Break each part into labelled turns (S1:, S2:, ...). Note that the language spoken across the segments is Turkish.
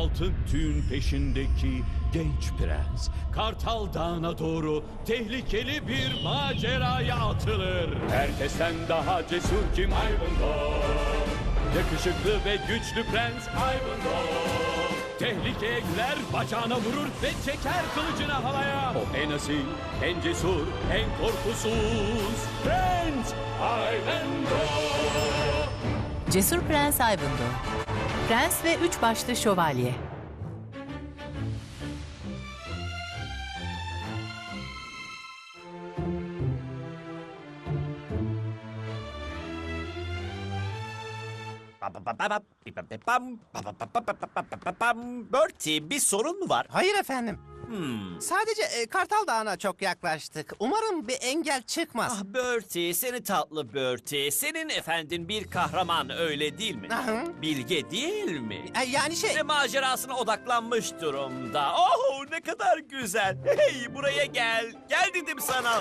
S1: altın tüyün peşindeki genç prens Kartal Dağı'na doğru tehlikeli bir maceraya atılır. Herkesten daha cesur kim? Ivanhoe. Yakışıklı ve güçlü prens Ivanhoe. Tehlikeye girer, bacağına vurur ve çeker kılıcını havaya. O en asil, en cesur, en korkusuz Prens Ivanhoe.
S2: Cesur Prens Ivanhoe. Prens ve Üç Başlı Şövalye.
S3: Bertie, bir sorun mu var?
S4: Hayır efendim. Sadece Kartal Dağı'na çok yaklaştık. Umarım bir engel çıkmaz.
S3: Ah Bertie, seni tatlı Bertie. Senin efendin bir kahraman, öyle değil mi?
S4: Hı.
S3: Bilge değil mi?
S4: Yani
S3: Ve macerasına odaklanmış durumda. Oh, ne kadar güzel. Hey, buraya gel. Gel dedim sana.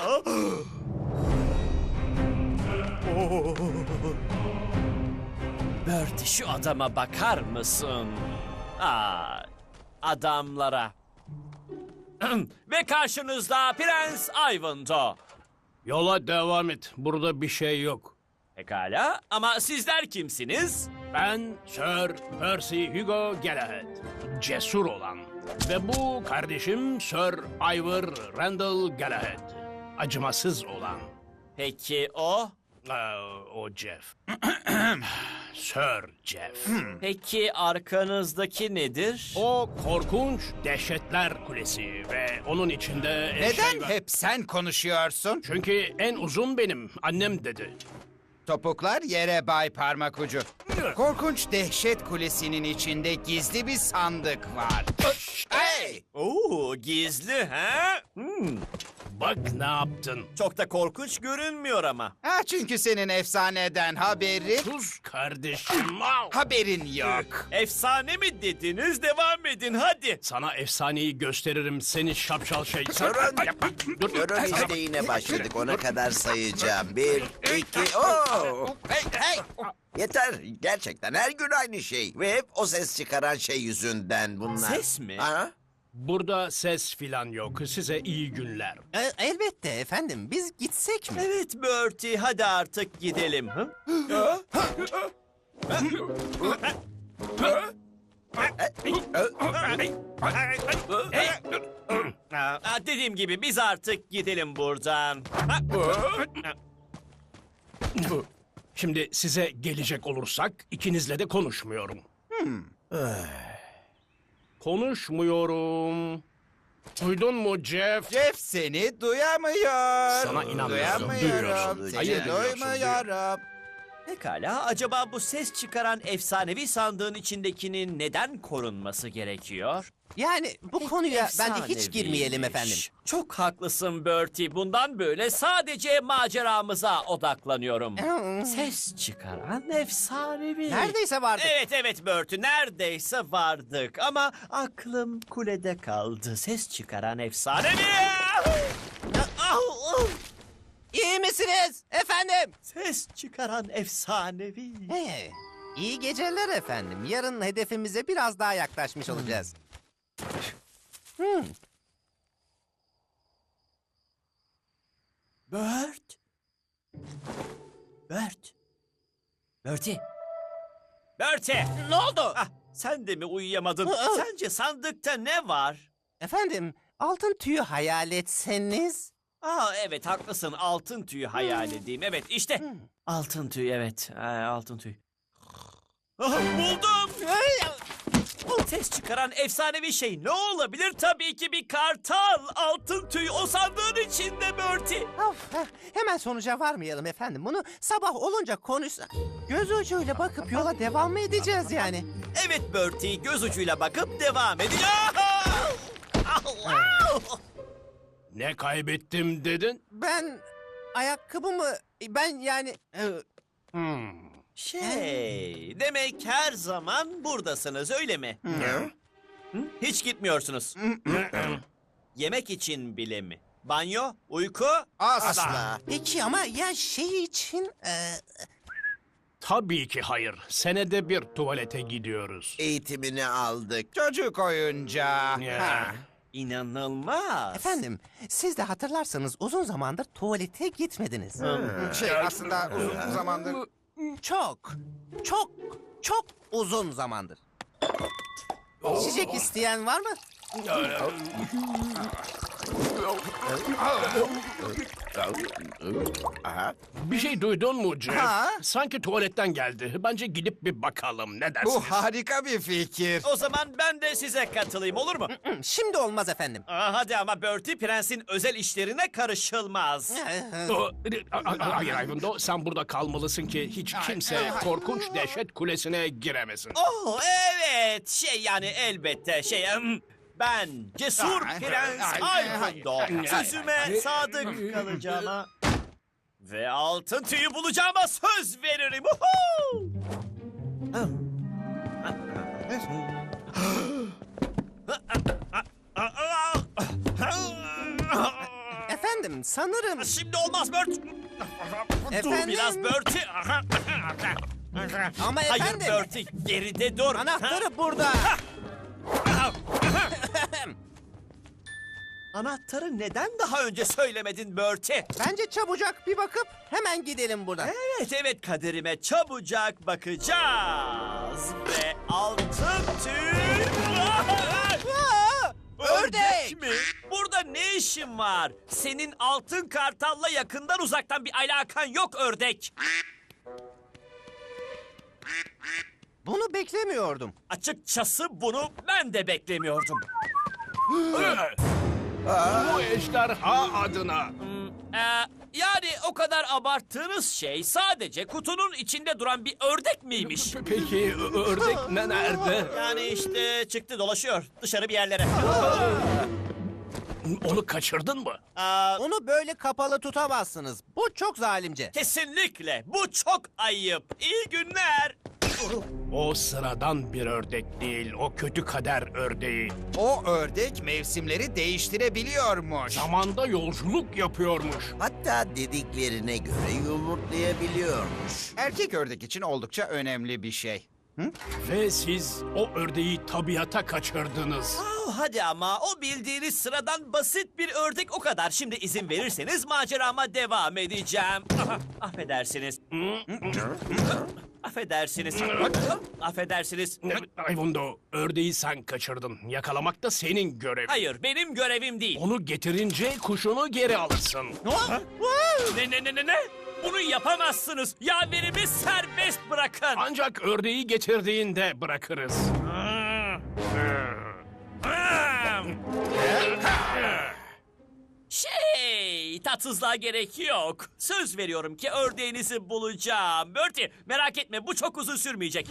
S3: Bertie, şu adama bakar mısın? Aa, adamlara. Ve karşınızda Prens Ivanhoe.
S5: Yola devam et. Burada bir şey yok.
S3: Pekala, ama sizler kimsiniz?
S5: Ben Sir Percy Hugo Galahad. Cesur olan. Ve bu kardeşim Sir Ivor Randall Galahad. Acımasız olan.
S3: Peki o?
S5: O Jeff. Sir Jeff.
S3: Peki arkanızdaki nedir?
S5: O korkunç Dehşetler Kulesi ve onun içinde...
S6: Neden hep sen konuşuyorsun?
S5: Çünkü en uzun benim. Annem dedi.
S6: Topuklar yere Bay Parmak Ucu. Korkunç Dehşet Kulesi'nin içinde gizli bir sandık var. Hey!
S3: Oo, gizli ha?
S5: Bak ne yaptın.
S3: Çok da korkunç görünmüyor ama.
S6: Ha, çünkü senin efsaneden
S5: Sus kardeşim.
S6: haberin yok.
S3: Efsane mi dediniz? Devam edin hadi.
S5: Sana efsaneyi gösteririm seni şapşal şey.
S7: Durun işte yine başladık. Ona kadar sayacağım. 1, 2, ooo! Hey, hey! Yeter. Gerçekten her gün aynı şey. Ve hep o ses çıkaran şey yüzünden bunlar.
S3: Ses mi?
S7: Ha?
S5: Burada ses filan yok. Size iyi günler.
S4: Elbette efendim. Biz gitsek mi?
S3: Evet Bertie, hadi artık gidelim. Hı? Dediğim gibi biz artık gidelim buradan.
S5: Şimdi size gelecek olursak ikinizle de konuşmuyorum. Konuşmuyorum. Duydun mu Jeff?
S6: Jeff seni duyamıyor.
S5: Sana inanmıyorum.
S6: Duyamıyorum.
S5: Duyuyorsun.
S6: Seni
S5: Hayır,
S6: duymuyorum.
S3: Pekala, acaba bu ses çıkaran efsanevi sandığın içindekinin neden korunması gerekiyor?
S4: Yani bu konuya bence hiç girmeyelim efendim.
S3: Efsaneviymiş. Çok haklısın Bertie. Bundan böyle sadece maceramıza odaklanıyorum. Ses çıkaran efsanevi.
S4: Neredeyse vardık.
S3: Evet Bertie, neredeyse vardık. Ama aklım kulede kaldı. Ses çıkaran efsanevi.
S4: İyi misiniz efendim?
S3: Ses çıkaran efsanevi.
S4: İyi geceler efendim. Yarın hedefimize biraz daha yaklaşmış olacağız.
S3: Bert. Bertie.
S4: Ne oldu?
S3: Ah, sen de mi uyuyamadın? Sence sandıkta ne var?
S4: Efendim, altın tüyü hayal etseniz.
S3: Evet haklısın. Altın tüyü hayal edeyim. Evet işte. Altın tüy, evet. Altın tüy. Buldum. O ses çıkaran efsanevi şey ne olabilir? Tabii ki bir kartal. Altın tüy o sandığın içinde Bertie.
S4: Hemen sonuca varmayalım efendim. Bunu sabah olunca konuşsak. Göz ucuyla bakıp yola devam mı edeceğiz yani?
S3: Evet Bertie, göz ucuyla bakıp devam edeceğiz.
S5: Ne kaybettim dedin?
S4: Ben ayakkabımı yani
S3: Demek her zaman buradasınız, öyle mi? Hı? Hiç gitmiyorsunuz. Yemek için bile mi? Banyo, uyku?
S7: Asla.
S4: peki ama ya şey için
S5: Tabii ki hayır. Senede bir tuvalete gidiyoruz.
S7: Eğitimini aldık.
S6: Çocuk oyuncağı.
S5: Ya.
S3: İnanılmaz.
S4: Efendim, siz de hatırlarsanız uzun zamandır tuvalete gitmediniz.
S6: Aslında uzun zamandır...
S4: Çok, çok, çok uzun zamandır. İçecek isteyen var mı?
S5: Bir şey duydun mu Jeff?
S6: Ha?
S5: Sanki tuvaletten geldi. Bence gidip bir bakalım. Ne dersiniz?
S6: Bu harika bir fikir.
S3: O zaman ben de size katılayım, olur mu?
S4: Şimdi olmaz efendim.
S3: Hadi ama Bertie, prensin özel işlerine karışılmaz.
S5: Hayır Ivanhoe, sen burada kalmalısın ki hiç kimse korkunç dehşet kulesine giremesin.
S3: Oh evet, yani elbette ben cesur prens Ivanhoe. Sözüme sadık kalacağıma ve altın tüyü bulacağıma söz veririm. Uhu!
S4: Efendim, sanırım...
S3: Şimdi olmaz Bert. Dur
S4: Efendim?
S3: biraz Bertie.
S4: Ama
S3: Hayır
S4: efendim,
S3: Bertie, geride dur.
S4: anahtarı burada.
S3: Anahtarı neden daha önce söylemedin Bertie?
S4: Bence çabucak bir bakıp hemen gidelim buradan.
S3: Evet kaderime çabucak bakacağız. Ve altın tüy...
S4: Ördek!
S3: mi? Burada ne işin var? Senin altın kartalla yakından uzaktan bir alakan yok ördek.
S4: Bunu beklemiyordum.
S3: Açıkçası bunu ben de beklemiyordum.
S5: Bu ejderha adına.
S3: Yani o kadar abarttığınız şey sadece kutunun içinde duran bir ördek miymiş?
S5: Peki ördek nerede?
S3: Yani işte çıktı dolaşıyor dışarı bir yerlere.
S5: Onu kaçırdın mı?
S4: Onu böyle kapalı tutamazsınız. Bu çok zalimce.
S3: Kesinlikle bu çok ayıp. İyi günler.
S5: O sıradan bir ördek değil, o kötü kader ördeği.
S6: O ördek mevsimleri değiştirebiliyormuş.
S5: Zamanda yolculuk yapıyormuş.
S7: Hatta dediklerine göre yumurtlayabiliyormuş.
S6: Erkek ördek için oldukça önemli bir şey.
S5: Ve siz o ördeği tabiata kaçırdınız.
S3: Hadi ama o bildiğiniz sıradan basit bir ördek o kadar. Şimdi izin verirseniz macerama devam edeceğim. Affedersiniz. Affedersiniz. Affedersiniz.
S5: Ivanhoe, ördeği sen kaçırdın. Yakalamak da senin görevin.
S3: Hayır benim görevim değil.
S5: Onu getirince kuşunu geri alırsın.
S3: Ne? Bunu yapamazsınız. Yaverimi serbest bırakın.
S5: Ancak ördeği getirdiğinde bırakırız.
S3: Tatsızlığa gerek yok. Söz veriyorum ki ördeğinizi bulacağım. Bertie merak etme bu çok uzun sürmeyecek.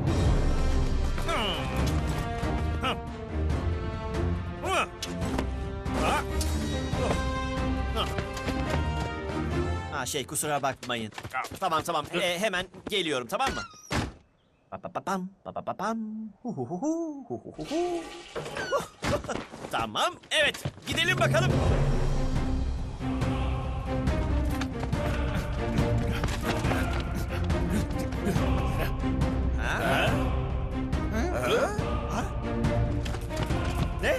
S3: Kusura bakmayın. Tamam hemen geliyorum tamam mı? Tamam evet gidelim bakalım. Ne?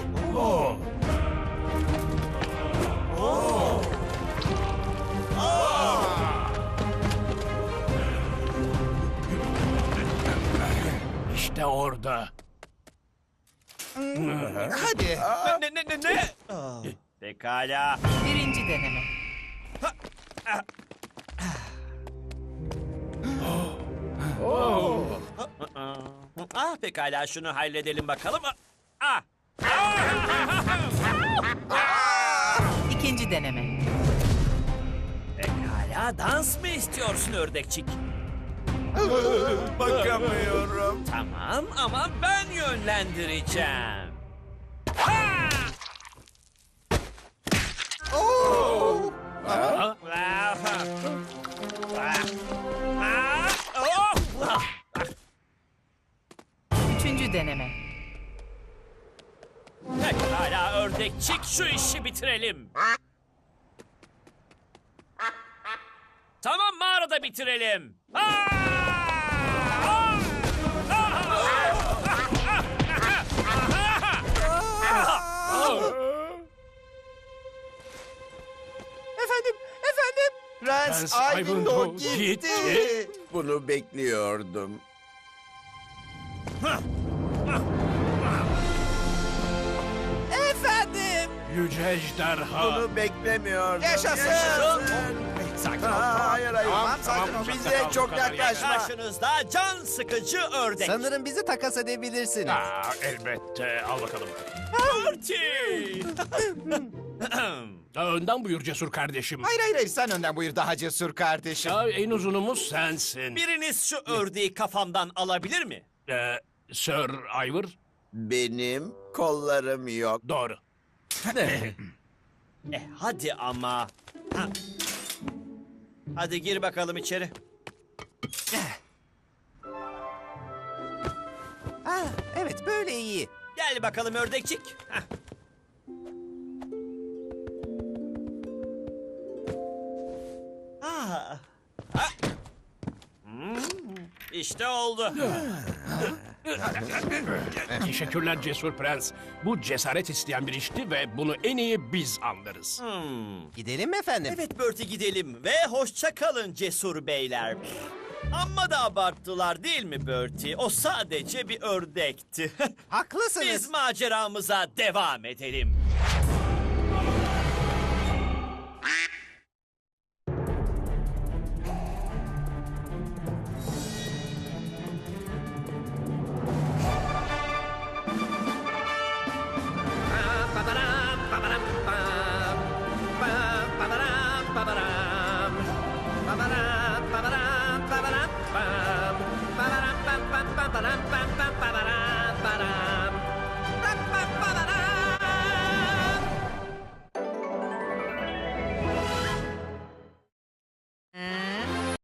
S5: İşte orada.
S6: Hadi.
S3: Ne? Pekala.
S2: Birinci deneme.
S3: Pekala şunu halledelim bakalım.
S2: İkinci deneme.
S3: Pekala dans mı istiyorsun ördekçik?
S7: Bakamıyorum.
S3: Tamam ama ben yönlendireceğim.
S2: Üçüncü deneme.
S3: Pekala ördekçik şu işi bitirelim. Tamam mağarada bitirelim.
S5: Prens
S7: Ivanhoe
S5: Ivanhoe
S7: gitti.
S5: gitti.
S7: Bunu bekliyordum.
S4: Efendim.
S5: Yüce ejderha.
S7: Bunu beklemiyordum.
S4: Yaşasın.
S3: Sakin ol.
S7: Hayır hayır.
S5: Tamam,
S7: Sakin
S5: tamam,
S7: ol. Bize
S5: tamam,
S7: çok
S5: bu kadar
S7: yaklaşma.
S3: Karşınızda can sıkıcı ördek.
S4: Sanırım bizi takas edebilirsiniz.
S5: Elbette. Al bakalım.
S3: Bertie!
S5: Önden buyur cesur kardeşim.
S6: Hayır hayır hayır, sen önden buyur daha cesur kardeşim.
S5: En uzunumuz sensin.
S3: Biriniz şu ördeği kafamdan alabilir mi?
S5: Sir Ivor.
S7: Benim kollarım yok.
S5: Doğru.
S3: Hadi ama. Ha. Hadi gir bakalım içeri.
S4: Ah, evet böyle iyi.
S3: Gel bakalım ördekçik. Hah. Ah. Ha. İşte oldu.
S5: Teşekkürler cesur prens. Bu cesaret isteyen bir işti ve bunu en iyi biz anlarız.
S4: Gidelim mi efendim?
S3: Evet Bertie gidelim ve hoşça kalın cesur beyler. Amma da abarttılar değil mi Bertie? O sadece bir ördekti.
S4: Haklısınız.
S3: Biz maceramıza devam edelim.